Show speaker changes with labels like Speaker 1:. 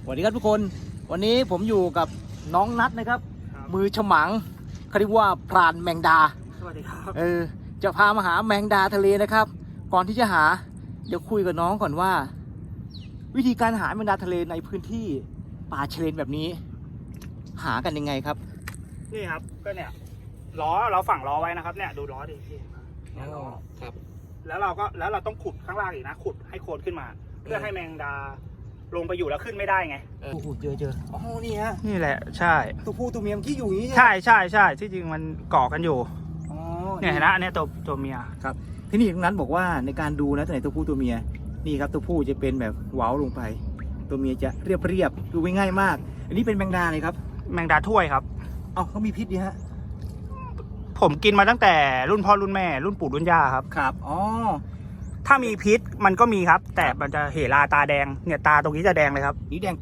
Speaker 1: สวัสดีครับทุกคนวันนี้ผมอยู่กับน้องนัทนะครับมือฉมังเขาเรียกว่าพรานแมงดา
Speaker 2: สวัสดีครับ
Speaker 1: จะพามาหาแมงดาทะเลนะครับก่อนที่จะหาเดี๋ยวคุยกับน้องก่อนว่า วิธีการหาแมงดาทะเลในพื้นที่ป่าเชลนแบบนี้ หากันยังไงครับ
Speaker 2: นี่ครับก็เนี่ยล้อเราฝังล้อไว้นะครับเนี่ยดูล้อดิพี่เนี่ยล้อ
Speaker 1: ครับ
Speaker 2: แล้วเราต้องขุดข้างล่างอีกนะขุดให้โคนขึ้นมา เพื่อให้แมงดาลงไปอยู่แล้วขึ้นไม่ได้ไง
Speaker 1: เจออ๋อนี่ฮะ
Speaker 2: นี่แหละใช่
Speaker 1: ตัวผู้ตัวเมียที่อยู่อย่างนี้
Speaker 2: ใช่ที่จริงมันเกาะกันอยู่เนี่ยเห็นนะเนี่ยตัวเมีย
Speaker 1: ครับที่นี่ตรงนั้นบอกว่าในการดูนะตัวไหนตัวผู้ตัวเมียนี่ครับตัวผู้จะเป็นแบบเว้าลงไปตัวเมียจะเรียบดูง่ายมากอันนี้เป็นแมงดาเลยครับ
Speaker 2: แมงดาถ้วยครับ
Speaker 1: เขามีพิษดีฮะ
Speaker 2: ผมกินมาตั้งแต่รุ่นพ่อรุ่นแม่รุ่นปู่รุ่นย่าครับถ้ามีพิษมันก็มีครับแต่มันจะเหลาตาแดงเนี่ยตาตรงนี้จะแดงเลยครับ
Speaker 1: นี่แดง